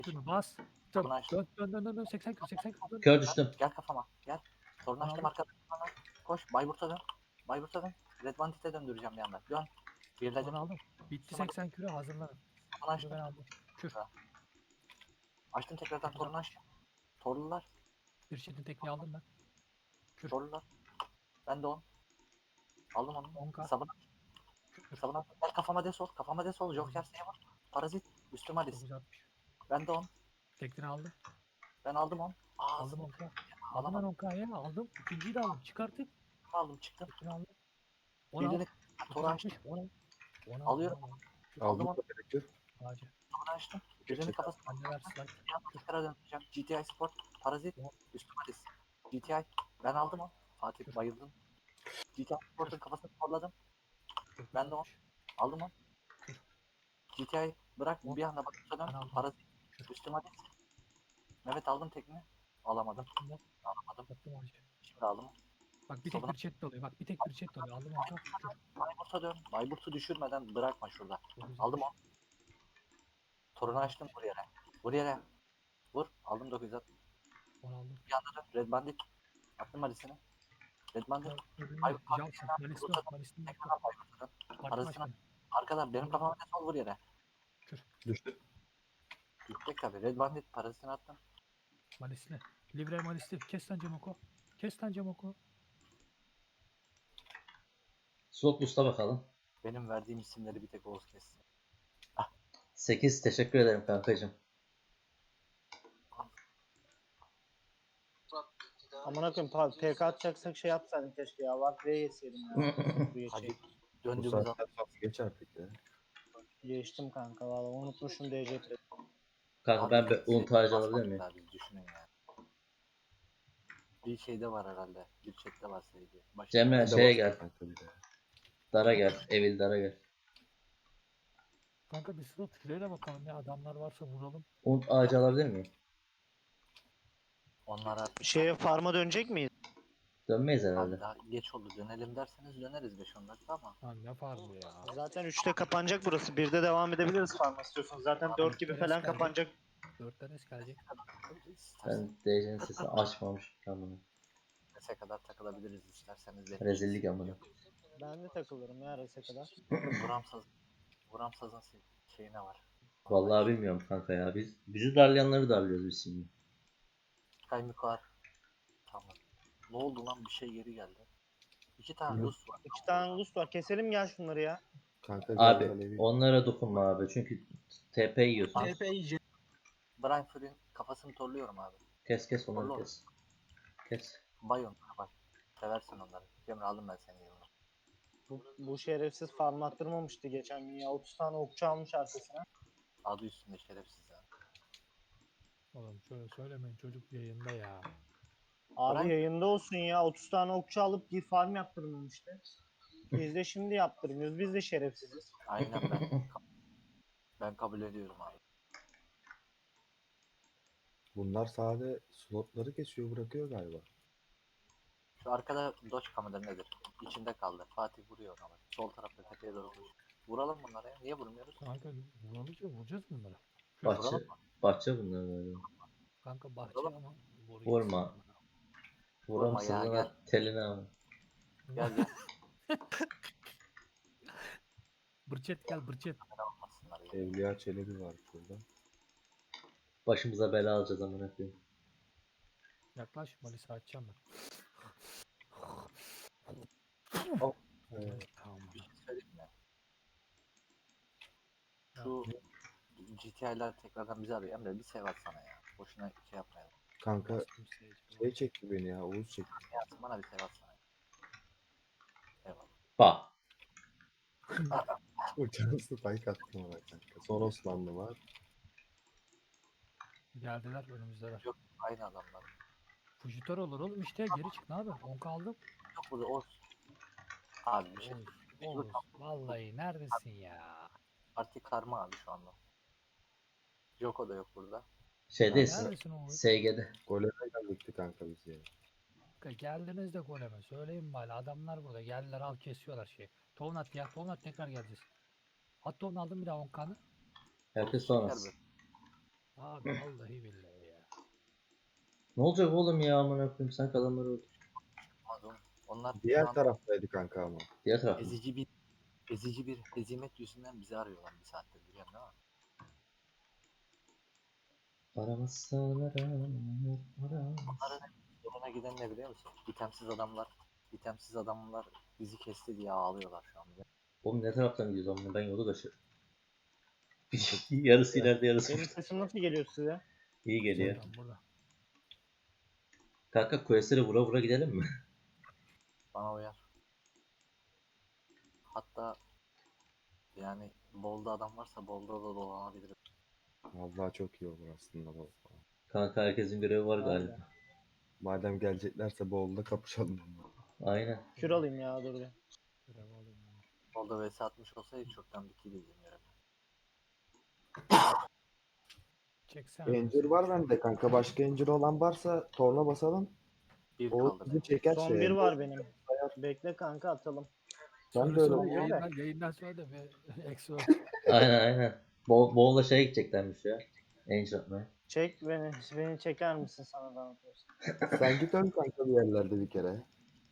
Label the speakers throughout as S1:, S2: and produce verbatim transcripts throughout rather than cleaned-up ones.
S1: Şunu bas. Dön
S2: Bunu aç.
S1: dön dön dön dön dön. seksen kilo seksen kilo dön.
S3: Kör düştüm.
S2: Gel kafama. Gel. Sorun
S1: Bana
S2: açtım
S1: aldım.
S2: arkadaşım bana. Koş. Bayburt'a dön. Bayburt'a dön. Red Bandit'e döndüreceğim bir anda. Dön. Birledim.
S1: Bana aldım. Bitti seksen kilo hazırlanın.
S2: Bunu
S1: Kürü
S2: açtım.
S1: ben aldım. Kür.
S2: Açtım tekrardan
S1: Tekrar.
S2: torunu açtım. Torlular.
S1: Bir şeyin tekniği aldım ben. Kür.
S2: Torlular. Ben de on. Aldım onu.
S1: on K.
S2: Sabına.
S1: Kür.
S2: Sabına. Gel kafama desol. Kafama desol. Joker Saver. Parazit. Üstüme Alice.
S1: dokuz altmış.
S2: Ben de on.
S1: Tekniğini aldım.
S2: Ben aldım on. Aa,
S1: Aldım on K. Aldım ben
S2: alamadım.
S1: on K'ya aldım. İkinciyi de aldım. Çıkarttık.
S2: Aldım çıktım.
S1: Tekniğini aldım. on al.
S2: Birini
S1: dokuz
S2: toru açtım.
S1: altmış. on al. on al.
S2: Alıyorum.
S1: on al.
S2: Aldım
S4: Aldım
S2: onu.
S4: da gerek yok.
S1: Ağacı.
S2: Toru açtım. Birini
S4: Gerçek
S2: kafasına.
S1: Anneler slide.
S2: Bir anda tekrar döneceğim. G T I Sport. Parazit.
S1: On.
S2: Üstüme Alice. G T I. Ben aldım o. Fatih
S1: Kür.
S2: bayıldım. G T I Sport'un kafasını torladım.
S1: dokuz
S2: Ben de on.
S1: altmış.
S2: Aldım o.
S1: Kür.
S2: G T I bırak
S1: On.
S2: bir anda bakışa
S1: Ben
S2: dön.
S1: aldım.
S2: Parazit.
S1: Kür.
S2: Üstüme Alice. Mehmet aldım tekini. Alamadım.
S1: Attım on.
S2: Alamadım.
S1: Attım ağacı.
S2: Şimdi aldım.
S1: Bak bir tek
S2: Sabına.
S1: bir chat oluyor. Bak bir tek bir chat oluyor. Aldım on K. Kür.
S2: Bayburt'a dön. Bayburt'u düşürmeden bırakma şurada.
S1: dokuz
S2: Aldım
S1: altmış.
S2: o. Torunu açtım. Vur yere. Vur yere. Vur. Aldım dokuz yüz altmış.
S1: on aldım.
S2: Bir anda dön. Red Bandit. Attım Alice'ini. Red Bandit.
S1: Öbürünü
S2: Bayburt
S1: Johnson. Malisli yok. Malisli yok.
S2: Tekrardan Bayburt'a dön.
S1: Parti
S2: Parasını.
S1: başkanı.
S2: Arkadan benim kafama da sol vur yere.
S4: Düştü.
S2: Gittik tabi. Red Bandit parasını attım.
S1: Malisli. Livre Malisli. Kes lan Cemoko. Kes lan Cemoko.
S3: Slot boost'a bakalım.
S2: Benim verdiğim isimleri bir tek Oğuz kessin.
S3: sekiz teşekkür ederim kankacığım.
S5: Amına koyayım pa- P K atacaksak şey yapsaydın keşke ya. Var B'ye yeseydim ya. Bu
S2: Hadi
S5: geçeyim.
S4: Bu
S2: döndüğümüz
S4: saatten
S2: an.
S4: sonra geç artık ya.
S5: Geçtim kanka valla unutmuşum D C P.
S3: Kanka ben bir un tacı alabilir miyim?
S2: Biz düşünün ya. Bir şeyde var herhalde. Bir chatte var sevgi. Başka
S3: Cemre
S4: Bir de
S3: şeye
S4: bas
S3: gel.
S4: kanka bir de.
S3: Dara gel. Evil Dara gel.
S1: Kanka bir slot şuraya bakalım ya. Adamlar varsa vuralım.
S3: Un ağacı alabilir miyim?
S2: onlar artık
S5: Şeye farma dönecek miyiz?
S3: Dönmeyiz
S2: abi
S3: herhalde.
S2: daha geç oldu. Dönelim derseniz döneriz beş on dakika ama.
S1: Lan ne farklı ya.
S5: Zaten üçte kapanacak burası. birde devam edebiliriz farma istiyorsanız. Zaten dört gibi
S1: Dörtte
S5: falan
S1: gelecek.
S5: kapanacak.
S1: Dörtten es gelecek.
S2: İsterseniz
S3: Ben D C'nin sesini açmamış. Amına.
S2: Res'e kadar takılabiliriz isterseniz. de.
S3: Rezillik amına.
S5: Ben de takılırım ya Res'e kadar.
S2: Vuramsaz. Vuramsazın şeyine var.
S3: Vallahi bilmiyorum kanka ya. Biz bizi darlayanları darlıyoruz biz şimdi.
S2: Kaymik var. Tamam. Ne oldu lan bir şey geri geldi. İki tane
S4: Yok.
S2: Lus var.
S5: İki tane ulus var. Keselim gel şunları ya.
S4: Kanka
S3: Abi
S4: gel Alevi.
S3: onlara dokunma abi. Çünkü T P yiyorsun.
S2: Brian Fury'nin kafasını torluyorum abi.
S3: Kes kes onları
S2: Torlu.
S3: kes. Kes.
S2: Bay onlara bay. Seversin onları. Cemre aldım ben seni yanına.
S5: Bu, bu şerefsiz farm attırmamıştı geçen gün ya. otuz tane okçu almış arkasına.
S2: Adı üstünde şerefsiz ya.
S1: Oğlum şöyle söylemeyin çocuk yayında ya.
S5: Abi
S2: Bırak.
S5: yayında olsun ya. otuz tane okçu alıp bir farm yaptırmamıştı. Biz de şimdi yaptırmıyoruz. Biz de şerefsiziz.
S2: Aynen ben. Ben kabul ediyorum abi.
S4: Bunlar sade slotları kesiyor bırakıyor galiba.
S2: Şu arkada Dodge kamera nedir? İçinde kaldı. Fatih vuruyor ama. Sol tarafta tepeye doğru vuruyor. Vuralım bunlara ya. Niye vurmuyoruz?
S1: Kanka vuralım ya vuracağız bunları.
S3: Bahçe.
S2: Vuralım mı?
S3: Bahçe bunlar galiba.
S1: Kanka bahçe
S2: Vuralım.
S1: ama vuruyor.
S3: Vurma.
S2: Vurma ya,
S3: Vuramsızına
S2: gel.
S3: teline ama.
S2: Gel gel.
S1: Bırçet gel bırçet.
S2: Almasınlar ya.
S4: Evliya Çelebi var şurada.
S3: Başımıza bela alacağız amına koyayım.
S1: Yaklaş Malis'i açacağım ben.
S4: Evet.
S1: Tamam.
S2: Bir şey söyleyeyim mi? Şu G T I'ler tekrardan bizi arıyor. Emre bir sev atsana ya. Boşuna şey yapmayalım.
S4: Kanka
S1: Bastım seyirci.
S4: şey çekti beni ya Oğuz çekti.
S2: Yatsın bana bir sev atsana. Eyvallah.
S3: Bak.
S4: Uçağısı payk attım ona kanka. Son Osmanlı var.
S1: Geldiler önümüzdeler.
S2: Yok aynı adamlar.
S1: Fujitör olur oğlum işte geri çık ne abi? on aldım.
S2: Yok burada Oğuz. Abi bir şey.
S1: Oğuz, Oğuz. Vallahi neredesin ya?
S2: Parti karma abi şu anda. Joko da yok burada.
S3: Şeydeyiz.
S1: Neredesin Oğuz?
S3: S G'de.
S4: Goleme geldik kanka biz ya.
S1: Kanka geldiniz de goleme. Söyleyin bari adamlar burada. Geldiler al kesiyorlar şey. Tovnat ya. Tovnat tekrar geleceğiz. At tovunu aldım bir daha on kanı.
S3: Herkes
S2: Şeker
S3: sonrası.
S2: be.
S1: Abi vallahi billahi ya.
S3: Ne olacak oğlum ya amına koyayım sen adamları öldür.
S2: Olmaz oğlum. Onlar şu
S4: Diğer
S2: an
S4: taraftaydı kanka ama.
S3: Diğer taraf mı?
S2: ezici bir ezici bir hezimet yüzünden bizi arıyorlar bir saattir biliyorsun değil mi?
S3: Aramazsan aranır, aramaz.
S2: Onların zoruna giden ne biliyor musun? İtemsiz adamlar, itemsiz adamlar bizi kesti diye ağlıyorlar şu an.
S3: Oğlum ne taraftan gidiyoruz amına ben yolu kaçırdım. Yarısı ileride yarısı
S5: Benim
S3: burada.
S5: sesim nasıl geliyor size?
S3: İyi geliyor.
S1: Buradan burada.
S3: Kanka quest'lere vura vura gidelim mi?
S2: Bana uyar. Hatta yani bolda adam varsa bolda da dolanabilirim.
S4: Vallahi çok iyi olur aslında bu.
S3: Kanka herkesin görevi var
S5: Abi.
S3: galiba.
S4: Madem geleceklerse Bolu'da kapışalım.
S3: Aynen.
S5: Kür alayım ya dur bir.
S1: Görev alayım ben.
S2: Bolda vs atmış olsaydı çoktan bittiydi bizim görevler.
S1: Çeksene.
S4: Encir var bende kanka. Başka encir olan varsa torna basalım.
S2: Bir
S4: O
S2: kaldı
S4: bizi
S2: benim.
S4: çeker
S5: Son
S4: şeye.
S5: bir var benim. Bekle kanka atalım.
S4: Ben
S1: Sonra
S4: de öyle
S1: sonra
S4: oldu.
S1: yayından, yayından sonra da bir eksi ol.
S3: Aynen aynen. Bol, Bol'la şeye gideceklermiş ya. Angel atmaya.
S5: Çek beni. Beni çeker misin sana da anlatıyorsun.
S4: Sen git öl kanka bir yerlerde bir kere.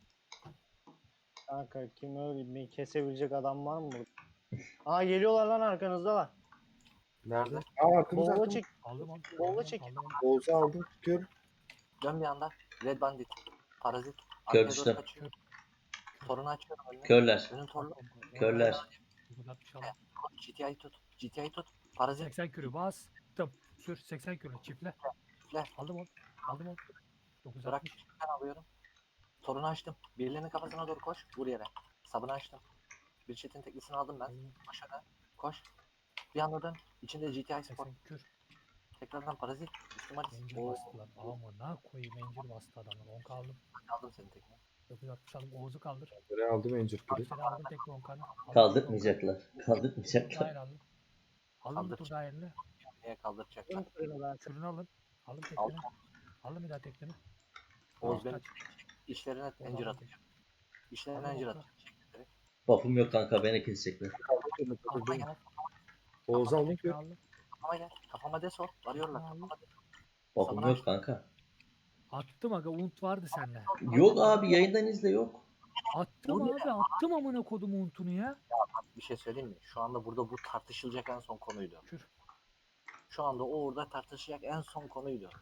S5: Kanka kim öyle bir kesebilecek adam var mı burada? Aa geliyorlar lan arkanızdalar.
S2: Nerede?
S4: Aa arkamıza
S5: Boğula
S4: arkamıza.
S5: çek.
S1: Aldım onu.
S5: Bolla
S1: aldım onu,
S5: çek.
S1: aldım onu.
S4: Oğuz'u aldım. Kör.
S2: Dön bir anda. Red Bandit. Parazit.
S3: Kör
S2: Arkaya doğru
S3: düştüm.
S2: kaçıyor. Torunu açıyorum önüne.
S3: Körler.
S2: Önün torunu.
S3: Körler.
S1: dokuz altmış aldım.
S2: G T A'yı tut. G T A'yı tut. Parazit.
S1: seksen kürü bastım. Sür seksen kürü çiftle.
S2: Çiftle.
S1: Aldım onu. Aldım onu. dokuz
S2: Bırak.
S1: altmış.
S2: Ben alıyorum. Torunu açtım. Birilerinin kafasına doğru koş. Vur yere. Sabını açtım. Bir çetin teklisini aldım ben.
S1: Aldım.
S2: Koş hadi. Koş. Bir anda dön. İçinde G T I Sport.
S1: seksen kür.
S2: Tekrardan parazit. Üstüm Alice.
S1: Mencir
S2: Oo.
S1: bastılar. Amına koyayım mencir bastı adamlar. on kaldım.
S2: Aldım senin tekini.
S1: dokuz altmış aldım. Oğuz'u kaldır.
S4: Buraya aldım encir kürü.
S1: Aksine aldım tekrar on kanı.
S3: Kaldırmayacaklar. Kaldırmayacaklar.
S1: Hayır aldım. Aldım bir
S2: Kaldır.
S1: tur daha eline.
S2: Niye kaldıracaklar?
S5: Ön kırını ben.
S1: Kürünü alın. Alın
S2: Aldım.
S1: tekini. Alın bir daha tekini.
S2: Oğuz
S1: Oğuz
S2: benim
S1: kaç.
S2: işlerine
S1: Oğuz
S2: encir
S1: aldım
S2: atacağım. İşlerine
S1: Aldım
S2: encir
S1: Oğuz'u.
S2: atacağım. Çekleri.
S3: Buff'um yok kanka beni kesecekler.
S4: Aldım kürünü,
S1: Aldım
S4: kırdım.
S1: al.
S4: Oğuz'u aldım
S1: Tekini
S4: kür.
S1: aldım.
S2: Kafama gel. Kafama desol. Varıyorlar.
S1: Aldım.
S2: Kafama desol.
S3: Buff'um
S2: Sabını
S3: yok
S2: açtım.
S3: kanka.
S1: Attım aga. Unt vardı sende.
S3: Yok abi yayından izle yok.
S1: Attım abi. Attım amına kodum untunu ya.
S2: Bir şey söyleyeyim mi? Şu anda burada bu tartışılacak en son konuydu.
S1: Kür.
S2: Şu anda o orada tartışacak en son konuydu.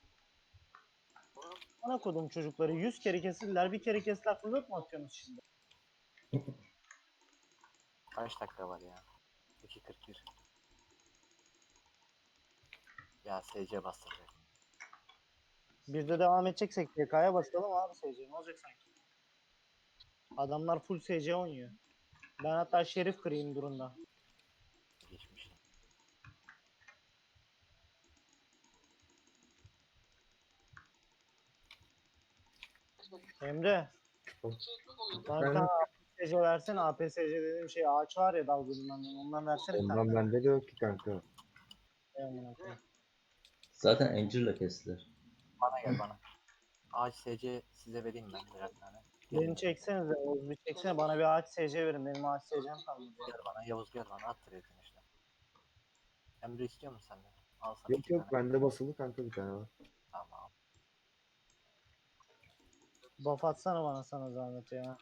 S5: Bana kodum çocukları yüz kere kesildiler. Bir kere kestiler. Fırlat mı atıyorsunuz şimdi?
S2: Kaç dakika var ya? iki kırk bir. Ya S C bastıracak.
S5: Bir de devam edeceksek T K'ya basalım abi S C. Ne olacak sanki? Adamlar full S C oynuyor. Ben hatta şerif kırayım durumda.
S2: Geçmiş.
S5: Emre. Bana bir
S4: Ben,
S5: tane A P S C versene. A P S C dediğim şey ağaç var ya dalgınından. Ondan versene bir
S4: ondan
S5: tane.
S4: bende de yok ki kanka.
S5: Ey amına koyayım.
S3: Zaten Angel'la kestiler.
S2: Bana gel bana. Ağaç S C size vereyim ben birer tane.
S5: Beni
S2: Gelin,
S5: çeksenize. Oğuz bir çeksene. Bana bir ağaç S C verin. Benim ağaç S C'm kalmadı.
S2: gel bana. Yavuz gel bana. At trade'in işte. Emre istiyor musun sen de? Al sana
S4: Yok
S2: iki
S4: yok
S2: tane.
S4: bende basılı kanka bir tane var.
S2: Tamam.
S5: Buff atsana bana sana zahmet ya.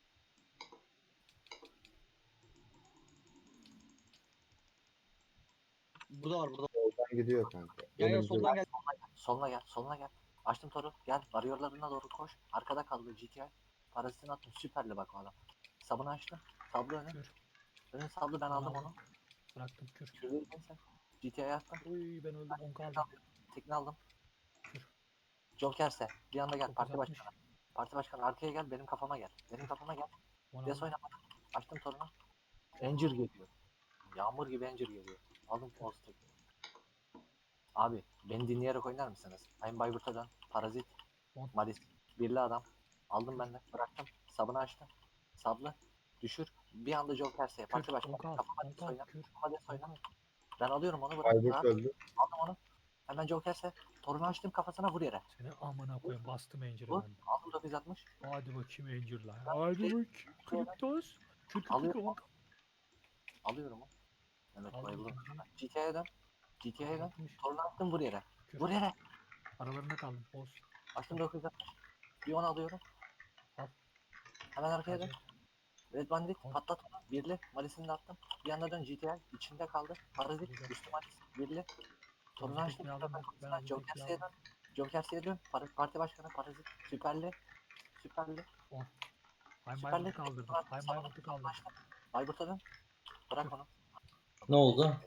S6: Burada var burada.
S4: Oradan gidiyor kanka.
S6: Gel gel
S4: Önümüzde-
S6: soldan gel.
S2: Soluna gel. Soluna gel. Açtım toru. Gel. Varıyorlarına doğru koş. Arkada kaldı G T I. Parazitini attım. Süperli bak o adam. Sabını açtım. Sablı önü.
S1: Kür.
S2: Önü sablı ben aldım onu.
S1: Bıraktım kür.
S2: Şurayı ben sen. G T I'ye attım.
S1: Uy ben öldüm. on kaldım.
S2: Tekne aldım.
S1: Kür.
S2: Jokerse. Bir anda gel. Parti
S1: dokuz altmış.
S2: başkanı. Parti başkanı arkaya gel. Benim kafama gel. Benim kafama gel.
S1: on
S2: Des
S1: aldım.
S2: oynamadım. Açtım torunu. Encir geliyor. Yağmur gibi encir geliyor. Aldım Oğuz tek. Abi beni dinleyerek oynar mısınız? Ayın Bayburt'a dön. Parazit.
S1: On.
S2: Malis. Birli adam. Aldım ben de. Bıraktım. Sabını açtım. Sablı. Düşür. Bir anda Jokerse. Parti
S1: Kür.
S2: başkanı.
S1: on kaldı.
S2: Kafama
S1: on
S2: des
S1: kaldı.
S2: oyna.
S1: Kür.
S2: Kafama des oyna. Ben alıyorum onu. Bırak.
S4: Ayburt
S2: Rahat.
S4: öldü.
S2: Aldım onu. Hemen Jokerse. Torunu açtım kafasına vur yere.
S1: Seni amına koyayım. Bastım enciri
S2: Vur.
S1: ben de.
S2: Aldım dokuz altmış.
S1: Hadi bakayım encir lan. Hadi bakayım. Kriptos. Kür kür kür.
S2: Alıyorum.
S1: on kaldı.
S2: Alıyorum onu. Evet
S1: Aldım
S2: bayıldım.
S1: ikinciyi.
S2: G T A'ya dön. G T A'ya dön.
S1: altmış.
S2: Torunu attım vur yere.
S1: Kür.
S2: Vur yere.
S1: Aralarında kaldım. Boz.
S2: Açtım dokuz yüz altmış. Bir on alıyorum.
S1: Al.
S2: Hemen arkaya dön.
S1: Acı.
S2: Red Bandit
S1: On.
S2: patlat onu. Birli. Malisini de attım. Bir anda dön G T A. İçinde kaldı. Parazit.
S1: Güzel.
S2: Üstü Malis. Birli. Torunu
S1: Oğuz
S2: açtım.
S1: tekniği aldım ben. Ben aldım
S2: Joker
S1: tekniği
S2: S'ye
S1: aldım.
S2: dön. Joker S'ye dön. Par- Parti başkanı Parazit. Süperli. Süperli.
S1: on. Haym
S2: Süperli.
S1: Bayburt'u kaldırdım. Haym
S2: Sabunu-
S1: Bayburt'u kaldırdım.
S2: Bayburt'a dön. Bırak onu.
S3: Ne oldu?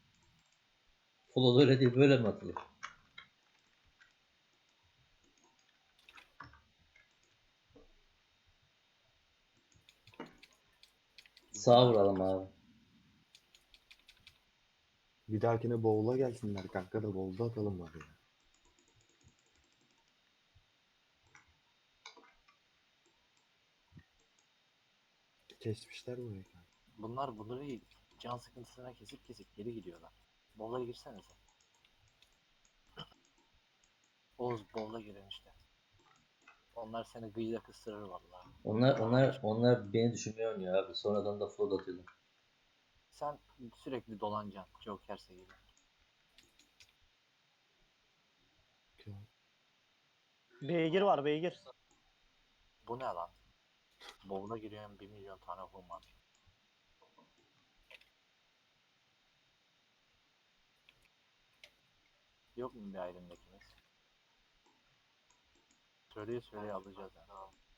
S3: Full öyle değil böyle mi atılır? Sağa vuralım abi.
S4: Bir dahakine bowl'a gelsinler kanka da bowl'da atalım var ya. Kesmişler burayı kanka.
S2: Bunlar bunları can sıkıntısına kesip kesip geri gidiyorlar. Bowl'a girsenize. Oğuz bowl'a girin işte. Onlar seni gıyla kıstırır vallahi.
S3: Onlar onlar onlar beni düşünmüyor oynuyor abi. Sonradan da flood atıyorlar.
S2: Sen sürekli dolanacaksın Joker'se gibi.
S5: Beygir var beygir.
S2: Bu ne lan? Bowl'a giriyorum bir milyon tane hum var. Yok mu bir ayrımdakimiz? Söyleye söyleye alacağız yani.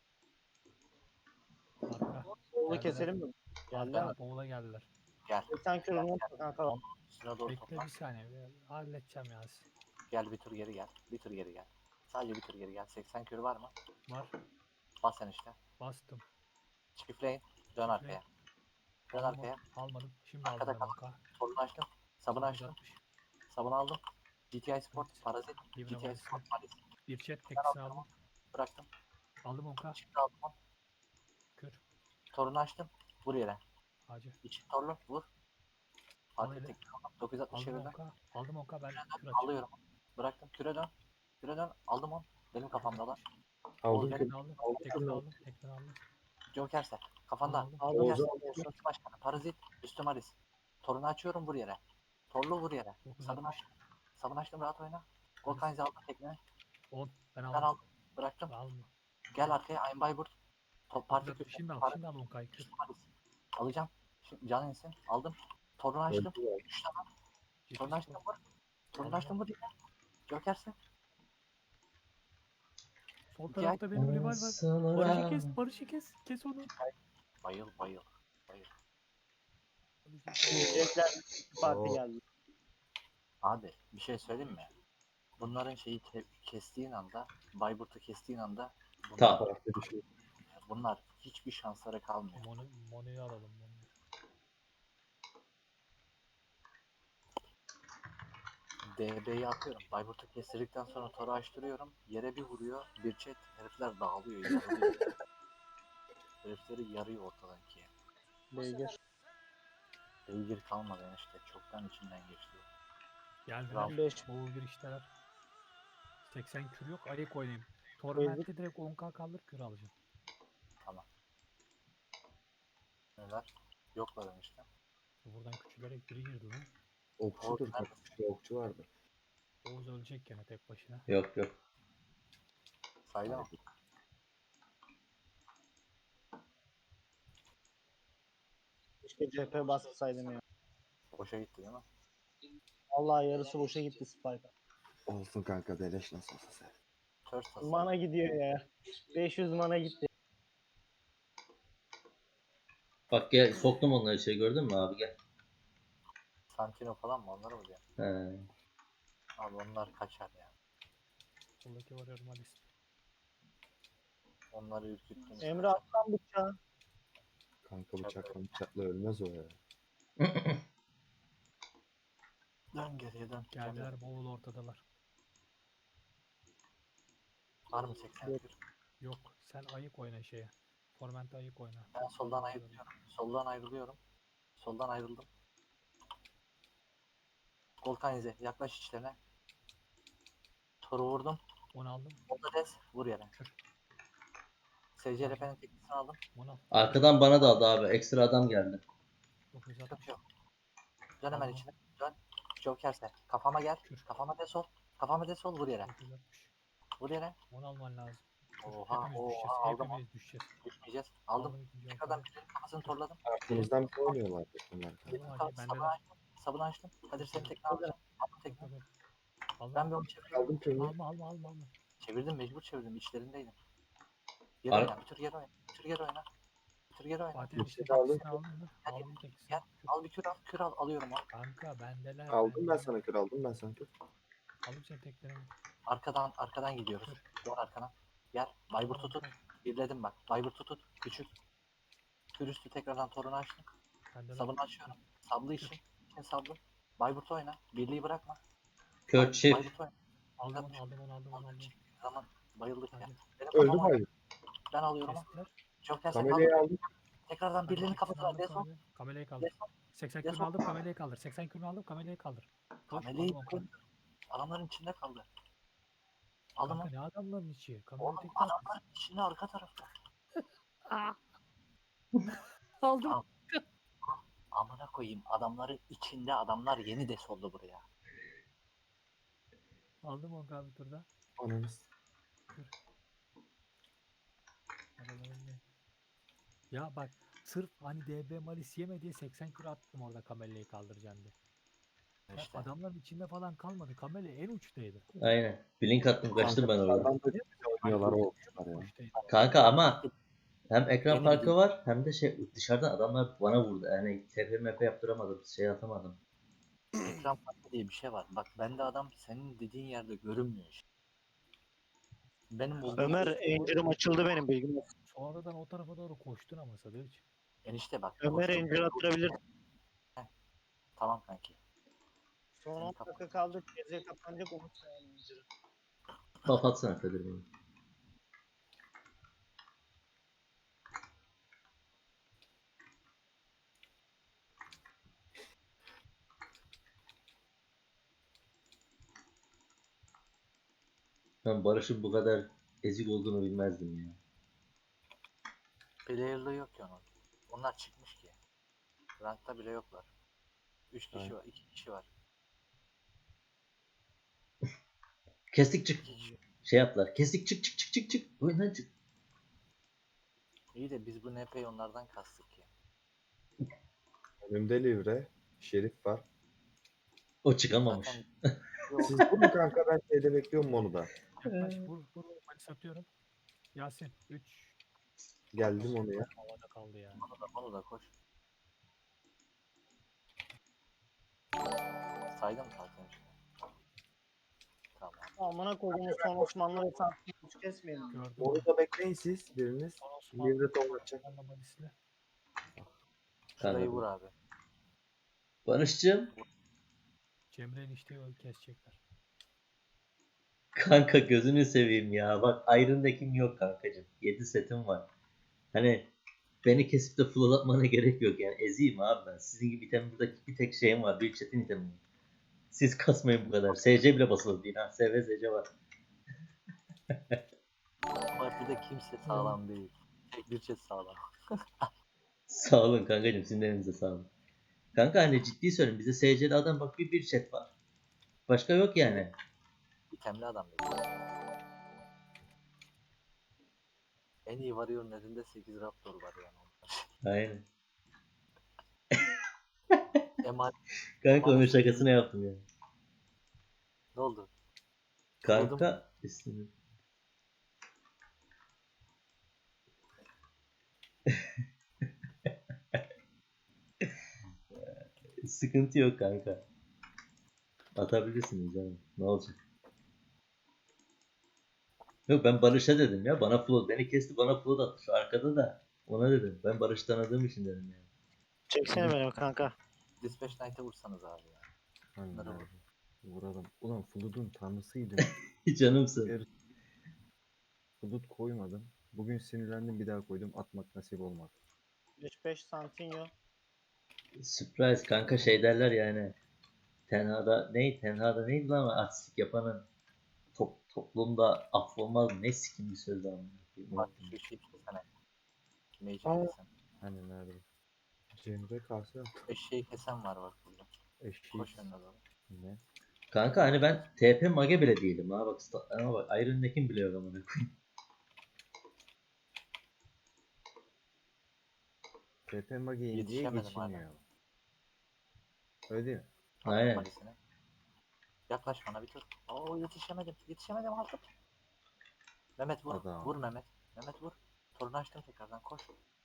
S1: Arka.
S5: Bowl'u
S1: Geldiler.
S5: keselim mi? Geldi
S1: Arka
S5: mi?
S1: bowl'a geldiler.
S2: Gel.
S5: seksen kürünü unutma kanka.
S2: Onun üstüne doğru
S1: Bekle
S2: topla.
S1: bir saniye. bir Halledeceğim ya.
S2: Gel bir tur geri gel. Bir tur geri gel. Sadece bir tur geri gel. seksen kür var mı?
S1: Var.
S2: Bas sen işte.
S1: Bastım.
S2: Çiftleyin. Dön arkaya. Dön
S1: Aldım
S2: arkaya.
S1: onu. Almadım. Şimdi aldım
S2: Arkada
S1: ben
S2: kal.
S1: on K.
S2: Sorunu açtım. Sabunu açtım.
S1: dokuz altmış.
S2: Sabunu aldım. G T I Sport.
S1: Evet.
S2: Parazit.
S1: Libre
S2: G T I
S1: Malis'i.
S2: Sport. Malis.
S1: Bir chat
S2: Ben
S1: teknisini
S2: aldım.
S1: aldım.
S2: Bıraktım.
S1: Aldım on K.
S2: Şimdi aldım onu.
S1: Kür.
S2: Torunu açtım. Vur yere.
S1: Acı.
S2: İçin torlu. Vur.
S1: Al
S2: Parti
S1: hele.
S2: tek. dokuz yüz altmış
S1: Aldım on
S2: çevirdim.
S1: K. Aldım on K ben kür açayım.
S2: Alıyorum. Bıraktım. Küre dön. Küre dön. Aldım onu. Benim kafamda lan.
S4: Aldım
S2: Oğuz,
S4: ki.
S1: Tekini aldım.
S4: Aldım.
S1: Tekini aldım. Tekini aldım.
S2: Joker'se. Kafanda.
S1: Aldım.
S5: Aldım.
S2: Joker'se.
S5: Olsun.
S2: Üstü başkanı. Parazit. Üstü Malis. Torunu açıyorum vur yere. Torlu vur yere.
S1: dokuz
S2: Sabun
S1: altmış.
S2: açtım. Sabun açtım rahat oyna. Volkaniz'i aldım tekne.
S1: on. Ben
S2: Ben
S1: aldım.
S2: aldım. Bıraktım.
S1: Alma.
S2: Gel arkaya Ayn Bayburt. Top parti
S1: dokuz altmış.
S2: köşe.
S1: Şimdi al.
S2: Para-
S1: Şimdi al on K'yı kür.
S2: Üstü Malis. Alacağım. Şimdi can insin. Aldım. Torunu açtım.
S4: Öldü ya.
S2: üç tane.
S1: Ciddi
S2: Torunu açtım
S1: spor.
S2: vur. Torunu
S1: Aldım.
S2: açtım vur yere. Joker'se.
S1: Sol
S2: İki
S1: tarafta benim rival var. Barış'ı kes. Barış'ı kes. Kes onu.
S2: Bayıl bayıl. Bayıl.
S5: Yiyecekler. Parti
S4: Oo.
S5: geldi.
S2: Abi bir şey söyleyeyim mi? Bunların şeyi ke- kestiğin anda, Bayburt'u kestiğin anda bunlar,
S3: Tamam.
S4: Tarafta bir şey.
S2: bunlar hiçbir şansları kalmıyor.
S1: Mono, Mono'yu alalım. Mono'yu.
S2: D B'yi atıyorum. Bayburt'u kestirdikten sonra toru açtırıyorum. Yere bir vuruyor. Bir chat herifler dağılıyor. Yarılıyor. Herifleri yarıyor ortadan ikiye.
S5: Beygir.
S2: Beygir kalmadı enişte. Çoktan içinden geçti.
S1: Geldiler.
S5: beş.
S1: Boğul girişteler. seksen kür yok. Ayık oynayayım. Torment'te direkt on K kaldır kür alacağım.
S2: Neler? Yoklar enişte.
S1: Buradan küçülerek biri girdi lan.
S4: Okçudur kanka. Bir okçu vardı.
S1: Oğuz ölecek gene tek başına.
S3: Yok yok.
S2: Saydı mı?
S5: Keşke C P bassaydım ya.
S2: Boşa gitti değil mi?
S5: Vallahi yarısı boşa gitti Spike.
S4: Olsun kanka beleş nasıl olsa sen.
S2: Ters tasarım.
S5: Mana gidiyor ya. beş yüz mana gitti.
S3: Bak gel soktum onları içeri gördün mü abi gel.
S2: Santino falan mı? Onları mı diyor?
S3: He.
S2: Abi onlar kaçar ya.
S1: Soldaki var Malis.
S2: Onları ürküttüm.
S5: Emre atlan bıçağı.
S4: Kanka bıçakla bıçakla ölmez o ya.
S2: Dön geriye dön.
S1: Geldiler Boğul ortadalar.
S2: Var mı seksen kür?
S1: Yok. Sen ayık oyna şeye. Torment'e ayık oyna.
S2: Ben soldan ayrılıyorum. Soldan ayrılıyorum. Soldan ayrıldım. Volkanize yaklaş içlerine. Toru vurdum.
S1: Onu aldım.
S2: Onda des vur yere.
S1: Kür.
S2: S C R P'nin teknisini aldım.
S1: Onu al.
S3: Arkadan bana da aldı abi. Ekstra adam geldi.
S1: dokuz
S2: Yok
S1: altmış.
S2: yok. Dön hemen
S1: Tamam.
S2: içine. Dön. Joker'se. Kafama gel.
S1: Kür.
S2: Kafama desol. Kafama desol vur yere.
S1: dokuz altmış.
S2: Vur yere.
S1: Onu alman lazım. Kür.
S2: Oha
S1: Hepimiz
S2: oha
S1: düşeceğiz.
S2: aldım onu.
S1: Hepimiz düşeceğiz.
S2: Düşmeyeceğiz. Aldım.
S1: Aldım ikinci
S2: Tekrardan
S1: Joker'i.
S2: birinin kafasını torladım.
S4: Arkamızdan bir oynuyorlar bunlar.
S2: Birinin
S1: Aldım
S2: kafasını
S1: hadi
S2: sabunu
S1: bendeler.
S2: açtım. Sabunu açtım. Kadir senin tekne
S5: Aldım.
S2: alacağım. Aldım
S1: Yok
S2: tekne.
S1: yok yok. Aldım.
S2: Ben bir onu çevirdim.
S4: Aldım köyünü.
S1: Alma alma alma alma.
S2: Çevirdim mecbur çevirdim. İçlerindeydim. Geri
S3: Ar-
S2: oyna. Bir tur geri oyna. Bir tur geri oyna. Bir tur geri oyna.
S1: Fatih'in
S4: Tekisini
S1: işte
S4: aldım.
S1: tekisini aldın mı?
S2: Hadi.
S1: Aldım tekisini.
S2: Gel.
S1: Kür.
S2: Al bir kür al. Kür al. Alıyorum onu.
S1: Kanka bendeler.
S4: Aldım ben
S1: bendeler.
S4: sana kür aldım ben sana kür.
S1: Aldım senin teklerini.
S2: Arkadan arkadan gidiyoruz. Gel arkana. Gel. Bayburt'u tut. Birledim bak. Bayburt'u tut. Küçük. Kür üstü tekrardan torunu açtım.
S1: Bendeler.
S2: Sabunu açıyorum. Sablı için. İçin sablı. Bayburt'u oyna. Birliği bırakma.
S3: Kör
S2: Bay-
S3: çift.
S2: Bayburt'u oyna.
S1: Aldım onu aldım onu aldım onu
S2: Aldım.
S1: aldım.
S2: Çektiği zaman bayıldık ya.
S1: Hadi.
S2: Benim
S4: Öldü
S2: kafama
S4: Bayburt.
S2: ben alıyorum onu.
S1: Kestiler.
S2: Joker sen
S4: Kamelya'yı
S2: kaldır.
S4: aldım.
S2: Tekrardan birliğinin
S1: Tekisini
S2: kafasına
S1: aldım,
S2: desol.
S1: kamele- Kameleyi kaldır.
S2: Desol.
S1: seksen
S2: Desol.
S1: kürünü aldım kameleyi kaldır. seksen kürünü aldım kameleyi kaldır. Koş,
S2: Kameleyi
S1: aldım onu.
S2: adamların içinde kaldı. Aldım
S1: Kanka
S2: onu.
S1: ne adamların içi? Kameleyi
S2: Oğlum
S1: tekte attı.
S2: adamların içinde arka tarafta.
S1: Aldım.
S2: Tamam. Amına koyayım adamların içinde adamlar yeni desoldu buraya.
S1: Aldım on bir turda.
S4: Ananız.
S1: Adamların ne? Ya bak sırf hani D B Malis yeme diye seksen kür attım orada kameleyi kaldıracağım diye. Ya
S2: İşte.
S1: adamların içinde falan kalmadı. Kamele en uçtaydı.
S3: Aynen. Blink attım kaçtım ben orada.
S4: Dışarıdan da güzel oynuyorlar o olmuşlar ya.
S1: Uçtaydı.
S3: Kanka ama hem ekran
S2: Benim
S3: farkı
S2: değil.
S3: var hem de şey dışarıdan adamlar bana vurdu. Yani T P M P yaptıramadım. Şey atamadım.
S2: Ekran farkı diye bir şey var. Bak bende adam senin dediğin yerde görünmüyor işte. Benim bulduğum
S5: Ömer Angel'ım açıldı benim bilgim olsun.
S1: Sonradan o tarafa doğru koştun ama Sadıç.
S2: enişte bak.
S5: Ömer
S2: koştum.
S5: Angel attırabilir.
S2: Tamam kanki.
S5: Son on dakika kaldı. Geriye kapanacak unutmayın Angel'ı.
S3: Kapatsana Kadir beni. Ben Barış'ın bu kadar ezik olduğunu bilmezdim ya.
S2: Player'lığı yok ki onun. Onlar çıkmış ki. Rankta bile yoklar. üç kişi
S4: Evet.
S2: var. iki kişi var.
S3: Kestik çık.
S2: iki kişi.
S3: Şey yaptılar. Kestik çık çık çık çık çık. Oyundan çık.
S2: İyi de biz bu N P'yi onlardan kastık ya.
S4: Önümde Livre. Şerif var.
S3: O çıkamamış.
S2: Zaten
S4: Siz vurun kanka ben şeyde bekliyorum onu da.
S1: Yaklaş vur vur vur. Malis atıyorum. Yasin üç.
S4: Geldim onu ya.
S1: Havada kaldı ya.
S2: onu da, onu da koş. Saydım zaten işte. Tamam.
S5: Amına koyduğumuz son Osmanlı esansını hiç kesmeyelim.
S1: Gördüm.
S4: Onu da bekleyin siz biriniz.
S1: Son Osmanlı.
S4: Livre torlatacak.
S1: Osmanlı Malis'le.
S2: Şurayı
S3: Anladım.
S2: vur abi.
S3: Barış'cığım.
S1: Cemre'nin işte yolu kesecekler.
S3: Kanka gözünü seveyim ya. Bak Iron Deck'im yok kankacığım. yedi setim var. Hani beni kesip de full atmana gerek yok yani. Eziyim abi ben. Sizin gibi item buradaki bir tek şeyim var. Bir chat'in itemi var. Siz kasmayın bu kadar. S C bile basılı değil ha. S V S C var.
S2: Partide kimse sağlam değil. Tek bir chat sağlam.
S3: Sağ olun kankacığım. Sizin de elinize sağlık. Kanka hani ciddi söylüyorum. Bize S C'li adam bak bir bir chat var. Başka yok yani.
S2: İtemli adam dedi. En iyi varıyor'un elinde sekiz Raptor var yani.
S3: Aynen.
S2: Emanet
S3: Kanka onun şakasını yaptım ya.
S2: ne oldu?
S3: Kanka üstüne. Sıkıntı yok kanka. Atabilirsiniz canım. Ne olacak? Yok ben Barış'a dedim ya. Bana flood. Beni kesti bana flood attı. Şu arkada da. Ona dedim. Ben Barış tanıdığım için dedim yani.
S5: Çeksene beni kanka.
S2: Dispatch Knight'e vursanız abi ya.
S4: Aynen
S2: Bunları
S4: abi.
S2: vur.
S4: Vuralım. Ulan Flood'un tanrısıydım.
S3: Canımsın.
S4: Flood koymadım. Bugün sinirlendim bir daha koydum. Atmak nasip olmadı.
S5: beş beş Santinho.
S3: Surprise kanka şey derler yani. Tenhada ney? Tenhada neydi lan artistik yapanın top, toplumda affolmaz ne sikim bir söz ama.
S2: Bak şu şeyi kesene. Mage'i
S4: Aa.
S2: kesen.
S4: Hani nerede? Cemre karşı
S2: Eşeği kesen var bak burada.
S4: eşeği.
S2: Koş önüne doğru.
S4: Ne?
S3: Kanka hani ben T P mage bile değilim ha bak statlarıma bak. Iron Neck'im bile yok amına koyayım.
S4: T P Magi diye
S2: Yetişemedim hala.
S4: geçilmiyor. Öyle değil mi?
S2: Attım
S3: Aynen.
S2: Malis'ini. Yaklaş bana bir tur. Oo yetişemedim. Yetişemedim aldım. Mehmet vur.
S4: Adam.
S2: Vur Mehmet. Mehmet vur. Torunu açtım tekrardan koş.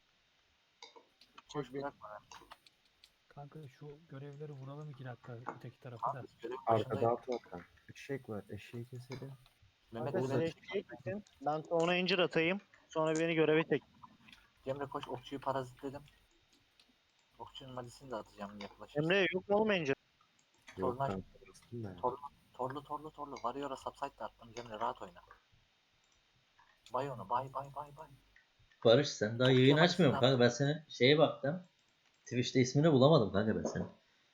S2: Koş
S5: beni.
S2: bırakma.
S1: Kanka şu görevleri vuralım iki dakika öteki tarafı da.
S2: Abi görev
S4: Arkada
S2: başındayım.
S4: at var kanka. Eşek var. Eşeği keselim.
S2: Mehmet
S5: Kanka sen
S2: Mehmet.
S5: eşeğe gitsin. Ben ona incir atayım. Sonra beni göreve çek.
S2: Cemre koş okçuyu parazitledim. Okçunun Malis'ini de atacağım yaklaşırsa.
S5: Emre yok mu oğlum incir?
S4: Yok
S2: Tornaş-
S4: kanka. Bastım da ya.
S2: Torlu torlu torlu torlu. Varıyor'a subside de attım. Cemre rahat oyna. Bay onu bay bay bay bay.
S3: Barış sen daha
S2: Çok
S3: yayın
S2: Kemal
S3: açmıyorum
S2: Sinan.
S3: kanka. Ben senin şeye baktım. Twitch'te ismini bulamadım kanka ben senin.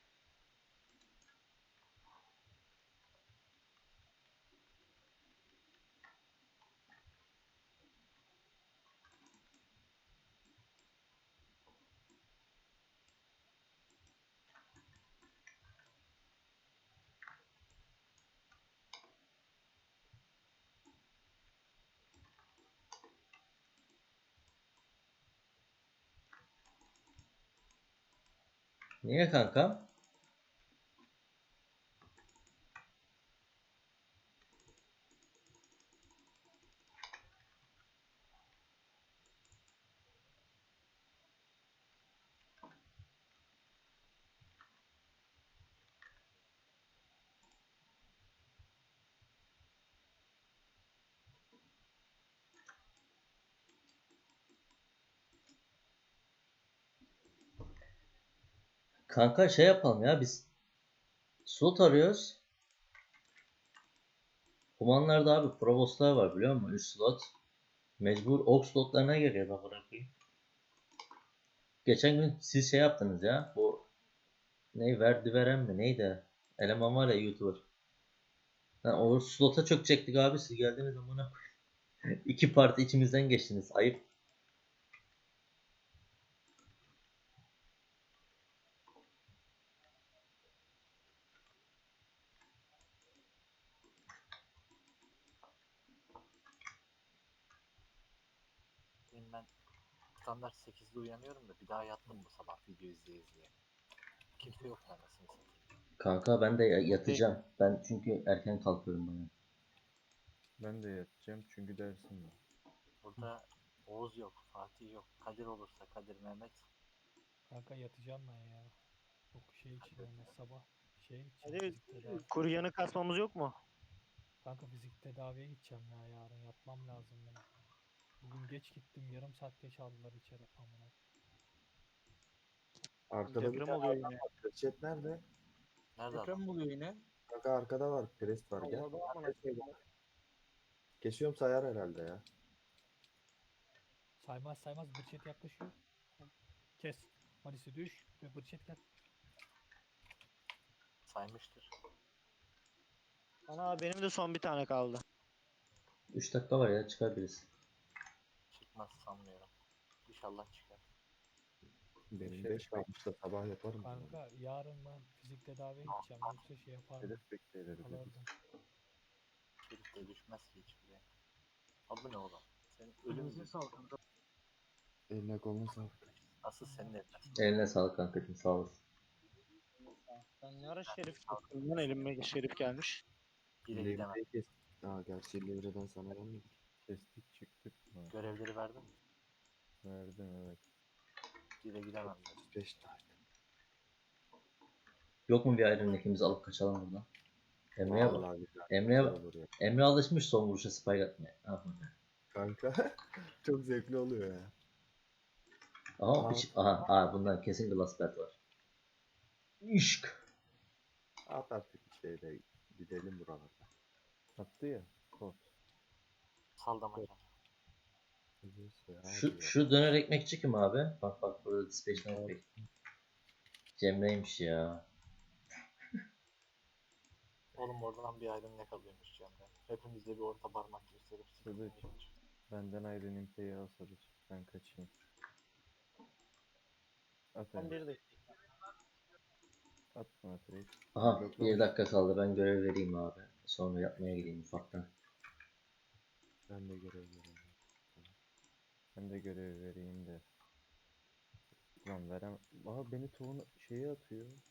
S3: Niye kanka? Kanka şey yapalım ya biz slot arıyoruz. Humanlarda abi provostlar var biliyor musun? üç slot. Mecbur ok slotlarına geliyor bak bırakayım. Geçen gün siz şey yaptınız ya. Bu ne verdi veren mi neydi? Eleman var ya YouTuber. Ha, o slota çökecektik abi siz geldiniz amına koyayım. İki parti içimizden geçtiniz. Ayıp.
S2: Benim ben standart sekizde uyanıyorum da bir daha yattım bu sabah video izleye izleye. Kimse yok anasını satayım.
S3: Kanka ben de yatacağım. Ben çünkü erken kalkıyorum bana.
S4: Ben de yatacağım çünkü dersim var.
S2: Burada Oğuz yok, Fatih yok. Kadir olursa Kadir, Mehmet.
S1: Kanka yatacağım ben ya. Yok şey için yani sabah şey gideceğim
S5: Hadi
S1: fizik tedavi.
S5: kuryanı kasmamız yok mu?
S1: Kanka fizik tedaviye gideceğim ya yarın yatmam lazım benim. Bugün geç gittim yarım saat geç aldılar içeri amına.
S4: Arkada bir
S5: Deprem
S4: tane
S5: oluyor
S4: adam
S5: yine.
S4: var. Reçet nerede?
S2: Nerede
S6: Deprem
S2: adam?
S6: mi oluyor yine?
S4: Kanka arkada var. Prest var gel.
S5: Allah'ım amına
S4: Prest var. Kesiyorum sayar herhalde ya.
S1: Saymaz saymaz bıçet yaklaşıyor. Kes. Malisi düş ve bıçet gel.
S2: Saymıştır.
S5: Ana benim de son bir tane kaldı.
S3: üç dakika var ya çıkar birisi.
S2: Çıkmaz sanmıyorum. İnşallah çıkar.
S4: Benim
S5: Şey
S4: beş bekle. kalmış da sabah yaparım.
S1: Kanka yarın ben fizik tedaviye gideceğim yoksa şey yapardım.
S4: Hedef bekleyelim.
S1: Alırdım.
S2: Şerif de düşmez ki hiç buraya. Abi ne oğlum? Senin ölüm
S6: Elinize sağlık kanka.
S4: Eline koluna sağlık.
S2: asıl senin eline.
S3: Eline sağlık kankacığım sağ olasın.
S5: Ben ne ara şerif çıktım lan elime şerif gelmiş.
S2: Bire gidemem.
S4: Levreyi kes. Aa gerçi levreden sana gelmedi. Kestik çıktık mı?
S2: Görevleri verdim mi?
S4: Verdim evet.
S2: Bire gidemem ben.
S4: otuz beş tane.
S3: Yok mu bir Iron Neck'imizi alıp kaçalım buradan? Emre'ye bak.
S4: Vallahi güzel.
S3: Emre'ye
S4: Güzel
S3: bak.
S4: olur ya.
S3: Emre alışmış son vuruşa spike atmaya. Aha.
S4: Kanka çok zevkli oluyor ya.
S3: Aha,
S4: Aa.
S3: iç- aha, aha bundan kesin glass belt var. İşk.
S4: At artık bir şeyle gidelim buralarda. Attı ya. Kod.
S2: Saldamaca.
S4: Neyse abi
S3: Şu,
S4: ya.
S3: şu döner ekmekçi kim abi? Bak bak burada dispatch'ten ekmek. Cemre'ymiş ya.
S2: Oğlum oradan bir ayrım ne kalıyormuş Cemre. Hepimize bir orta parmak gösterip sıkıntı
S4: Kılıç.
S2: yok.
S4: Benden ayrı nimpeyi al Sadıç. Ben kaçayım. At
S5: Son
S4: Emre.
S5: bir dakika.
S4: At bana trade.
S3: Aha
S4: Bloklamış.
S3: bir dakika kaldı. Ben görev vereyim abi. Sonra yapmaya gideyim ufaktan.
S4: Ben de görev vereyim. Ben de görev vereyim de. Lan verem. Aa beni tohum şeye atıyor.